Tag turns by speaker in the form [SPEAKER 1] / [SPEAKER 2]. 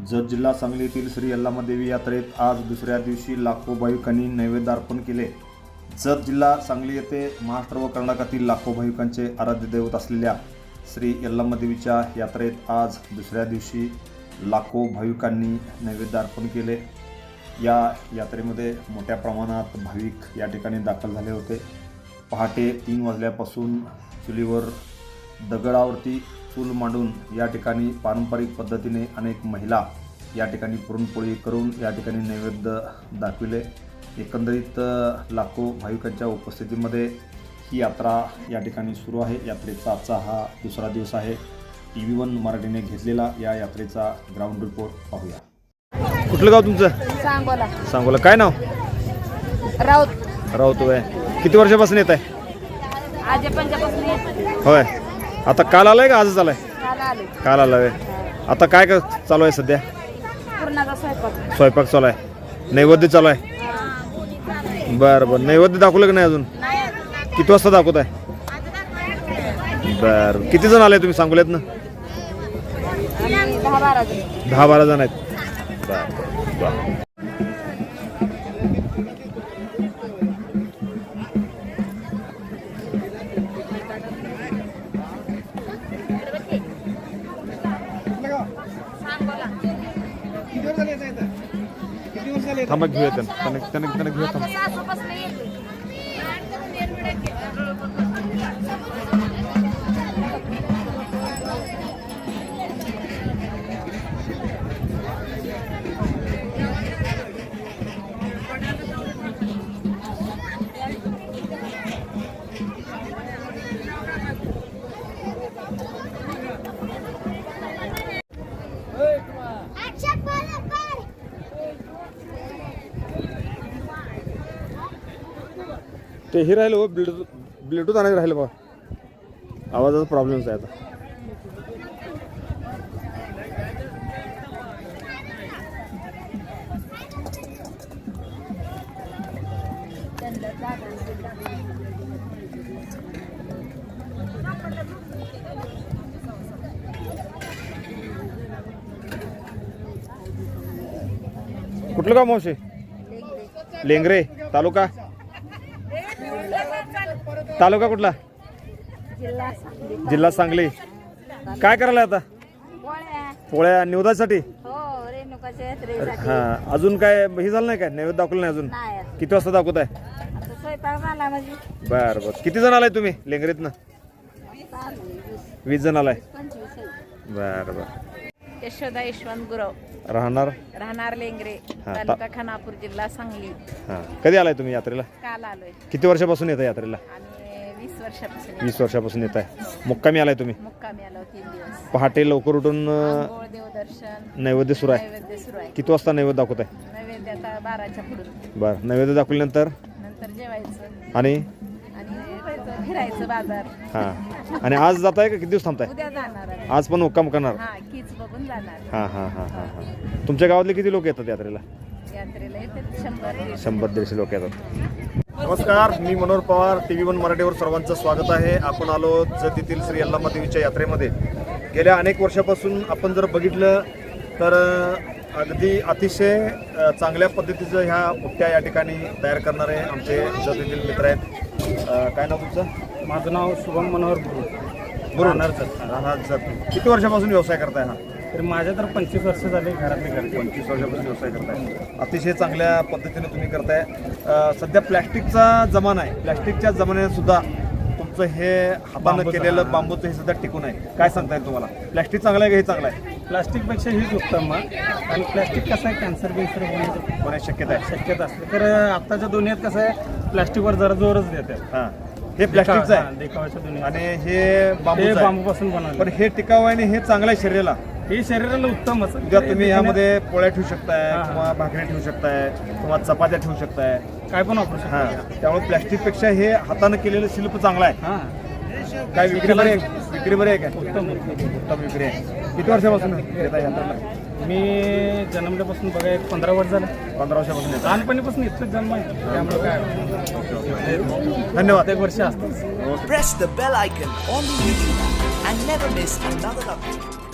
[SPEAKER 1] जत जिल्हा सांगली येथील श्री यल्लामादेवी यात्रेत आज दुसऱ्या दिवशी लाखो भाविकांनी नैवेद्य अर्पण केले। जत जिल्हा सांगली येथे महाराष्ट्र व कर्नाटकातील लाखो भाविकांचे आराध्य दैवत असलेल्या श्री यल्लामादेवीच्या यात्रेत आज दुसऱ्या दिवशी लाखो भाविकांनी नैवेद्य अर्पण केले। या यात्रेमध्ये मोठ्या प्रमाणात भाविक या ठिकाणी दाखल झाले होते। पहाटे 3 वाजल्यापासून चुलीवर दगडावरती चूल मांडून या ठिकाणी पारंपरिक पद्धतीने अनेक महिला या ठिकाणी पुरणपोळी करून या ठिकाणी नैवेद्य दाखविले। एकंदरीत लाखो भाविकांच्या उपस्थितीमध्ये ही यात्रा या ठिकाणी सुरू आहे। यात्रेचा आजचा हा दुसरा दिवस आहे। TV1 मराठीने घेतलेला या यात्रेचा ग्राउंड रिपोर्ट पाहूया। कुठलं गाव तुमचं?
[SPEAKER 2] सांगोला।
[SPEAKER 1] सांगोला। काय नाव? राऊत होय। किती वर्षापासून येत आहे?
[SPEAKER 2] आज पंजाबपासून
[SPEAKER 1] होय। आता काल आलाय का आजच आलाय? काल आलाय। आता काय चालू आहे सध्या?
[SPEAKER 2] पूर्णाचा
[SPEAKER 1] स्वयंपाक चालू आहे। नैवेद्य चालू आहे। बरं नैवेद्य दाखवलं की नाही अजून? किती वाजता दाखवत आहे? बरं किती जण आले तुम्ही सांगोल्यात ना? 10-12 जण आहेत। बरं थांबा घेऊया त्यांना घेऊया थांबा। ते हे राहिलं हो, ब्लूटूथ आणायचं राहिलं बघा। आवाजाचा प्रॉब्लेम्स आहे आता। कुठलं गाव मावशी? लेंगरे। तालुका कुठला? जिल्हा सांगली। काय करायला आता? पोळ्या निवेदनासाठी। हा अजून काय हे झालं नाही? काय नैवेद्य दाखवलं नाही अजून? किती वाजता दाखवत आहे? बरं किती जण आलाय तुम्ही लेंगरीतनं? 20 जण आलाय। बरं
[SPEAKER 2] यशोदा यशवंत गुरव।
[SPEAKER 1] राहणार
[SPEAKER 2] लेंगरे, तालुका खानापूर, जिल्हा सांगली।
[SPEAKER 1] कधी आलाय तुम्ही यात्रेला?
[SPEAKER 2] काल आलोय।
[SPEAKER 1] किती वर्षापासून येत आहे यात्रेला?
[SPEAKER 2] 20
[SPEAKER 1] वर्षापासून येत आहे। मुक्कामी आलाय तुम्ही?
[SPEAKER 2] मुक्कामी आलो 3 दिवस।
[SPEAKER 1] पहाटे लवकर उठून
[SPEAKER 2] देवदर्शन
[SPEAKER 1] नैवेद्य सुरू आहे। किती वाजता नैवेद्य दाखवत आहे?
[SPEAKER 2] नैवेद्य आता 12च्या पुढे।
[SPEAKER 1] बरं नैवेद्य दाखवल्यानंतर
[SPEAKER 2] जेवायचं
[SPEAKER 1] आणि
[SPEAKER 2] फिरायचं बाजार।
[SPEAKER 1] हां आणि आज जात आहे का? किती दिवस थांबताय?
[SPEAKER 2] उद्या जाणार आहे।
[SPEAKER 1] आज पण मुक्काम करणार?
[SPEAKER 2] कीच बघून जाणार।
[SPEAKER 1] हां तुमच्या गावातले किती लोक येतात यात्रेला?
[SPEAKER 2] यात्रेला येतात
[SPEAKER 1] 100-150 लोक येतात। नमस्कार, मी मनोहर पवार। TV1 मराठीवर सर्वांचं स्वागत आहे। आपण आलो जत येथील श्री यल्लामादेवीच्या यात्रेमध्ये। गेल्या अनेक वर्षापासून आपण जर बघितलं तर अगदी अतिशय चांगल्या पद्धतीचं ह्या मुठ्या या ठिकाणी तयार करणारे आमचे जत येथील मित्र आहेत। काय नाव तुमचं?
[SPEAKER 3] माझं नाव शुभम मनोहर
[SPEAKER 1] राहणार जत। किती वर्षापासून व्यवसाय करताय हा?
[SPEAKER 3] तर माझ्या तर 25 वर्ष झाले घरातले घर।
[SPEAKER 1] 25 वर्षापासून व्यवसाय करताय। अतिशय चांगल्या पद्धतीने तुम्ही करताय। सध्या प्लॅस्टिकचा जमाना आहे। प्लॅस्टिकच्या जमान्यात सुद्धा तुमचं हे हातानं केलेलं बांबूचं हे सुद्धा टिकून आहे। काय सांगताय तुम्हाला? प्लॅस्टिक चांगलं आहे का हे चांगलं आहे?
[SPEAKER 3] प्लॅस्टिकपेक्षा हेच उत्तम आणि प्लॅस्टिक कसं आहे कॅन्सर
[SPEAKER 1] होण्याची शक्यता
[SPEAKER 3] असते। तर आत्ताच्या दुनियेत कसं आहे प्लॅस्टिकवर जरा जोरच देतात।
[SPEAKER 1] हां हे प्लॅस्टिकचं आहे
[SPEAKER 3] देखावाच्या दुनियेत
[SPEAKER 1] आणि हे
[SPEAKER 3] बांबूपासून बनवलं।
[SPEAKER 1] पण हे टिकाऊ आहे आणि हे चांगलं आहे शरीराला।
[SPEAKER 3] हे शरीराला उत्तमच।
[SPEAKER 1] उद्या तुम्ही यामध्ये पोळ्या ठेवू शकताय किंवा भाकरी ठेवू शकताय किंवा चपात्या ठेवू शकताय,
[SPEAKER 3] काय पण वापरू शकता।
[SPEAKER 1] हां त्यामुळे प्लॅस्टिकपेक्षा हे हातानं केलेलं शिल्प चांगलं आहे। काय विक्री बरी आहे काय? उत्तम विक्री आहे। किती वर्षापासून येत आहे यात्रेला?
[SPEAKER 3] मी जन्मल्यापासून बघा 15 वर्ष झालं.
[SPEAKER 1] 15 वर्षापासून येत.
[SPEAKER 3] लहानपणीपासून इथलं जन्म आहे त्यामुळे काय
[SPEAKER 1] धन्यवाद.
[SPEAKER 3] एक वर्ष असतं.
[SPEAKER 4] Press the bell icon on the YouTube and never miss another update.